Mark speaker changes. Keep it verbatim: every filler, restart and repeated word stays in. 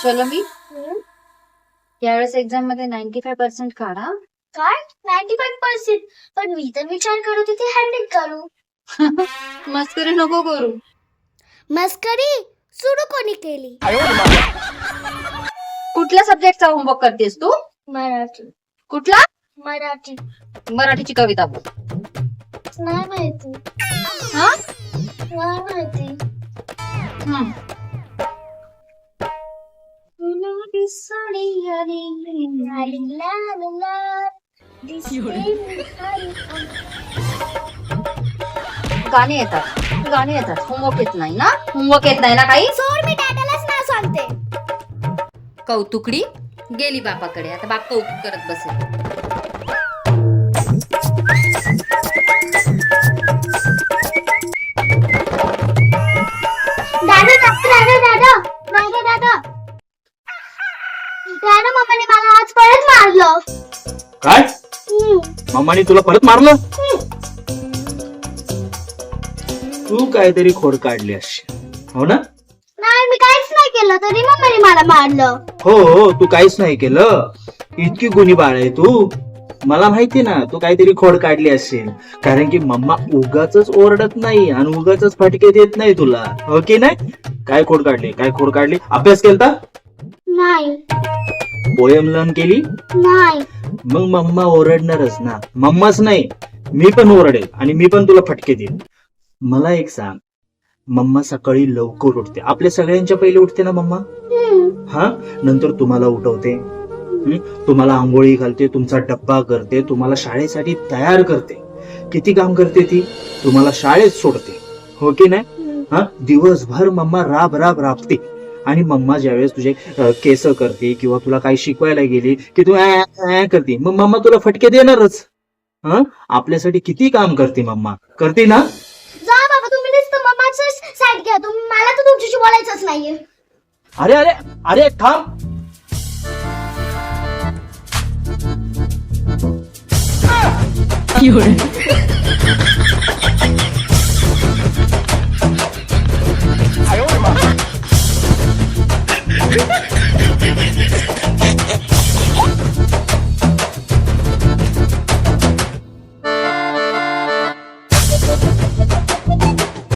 Speaker 1: चलो मी
Speaker 2: हम्म?
Speaker 1: यावेळेस एक्झाम मध्ये नाईन्टी फाय पर्सेंट काढा.
Speaker 2: काय नाईन्टी फाईव्ह पर्सेंट? पण मी तर विचार करत होते हंड्रेड करू.
Speaker 1: मस्करी नको करू.
Speaker 2: मस्करी सुरू कोणी केली?
Speaker 1: कुठल्या सब्जेक्टचा होमवर्क करतेस तू?
Speaker 2: मराठी.
Speaker 1: कुठला?
Speaker 2: मराठी.
Speaker 1: मराठीची कविता बोल.
Speaker 2: नाही माहिती.
Speaker 1: हा?
Speaker 2: नाही माहिती.
Speaker 1: हम्म.
Speaker 2: लाली लाल लाल दिसते मी हरी.
Speaker 1: गाणी येतात गाणी येतात होमवर्क येत नाही ना? होमवर्क येत नाही ना काही?
Speaker 2: सोड, मी डॅडालाच नाव सांगते.
Speaker 1: कौतुकडी गेली बापाकडे. आता बाप कौतुक करत बसेल.
Speaker 2: दादा दादा दादा दादा दादा दादा मम्माने मला आज परत मारलं.
Speaker 3: काय?
Speaker 2: हम्म.
Speaker 3: मम्माने तुला परत मारलं? तू काहीतरी खोड काढली अशी, हो ना?
Speaker 2: नाही, मी काहीच नाही केलं तरी मम्माने मला मारलं.
Speaker 3: हो हो, तू काहीच नाही केलं. इतकी गुणी बाळ आहे तू. मला माहिती ना तू काहीतरी खोड काढली असेल, कारण की मम्मा उगाच ओरडत नाही आणि उगाच फटके देत नाही तुला, हो की नाही? काय खोड काढली? काय खोड काढली? अभ्यास केलता?
Speaker 2: नाही.
Speaker 3: पोयम लर्न केली?
Speaker 2: नाही.
Speaker 3: मग मम्मा ओरडणारच ना. मम्माच नाही, मी पण ओरडेल आणि मी पण तुला फटके देईल. मला एक सांग, मम्मा सकाळी लवकर उठते, आपल्या सगळ्यांच्या पहिले उठते ना मम्मा?
Speaker 2: हम्म.
Speaker 3: हा, नंतर तुम्हाला उठवते, हं? तुम्हाला आंघोळी घालते, तुमचा डब्बा करते, तुम्हाला शाळेसाठी तयार करते. किती काम करते ती? तुम्हाला शाळेत सोडते, हो की नाही? हा, दिवसभर मम्मा राब राब राबते. आणि मम्मा ज्यावेळेस तुझे अ, केस करते किंवा तुला काही शिकवायला गेली की तू ऍ, ऍ करते, मग मम्मा तुला फटके देणारच. हा, आपल्यासाठी किती काम करते मम्मा, करते ना?
Speaker 2: जा बाबा, तुम्ही नुसतं मम्माचंच साईड घ्या. तुम्ही, मला तर तुमच्याशी बोलायचंच नाहीये.
Speaker 3: अरे अरे अरे थांब.
Speaker 4: Fiore.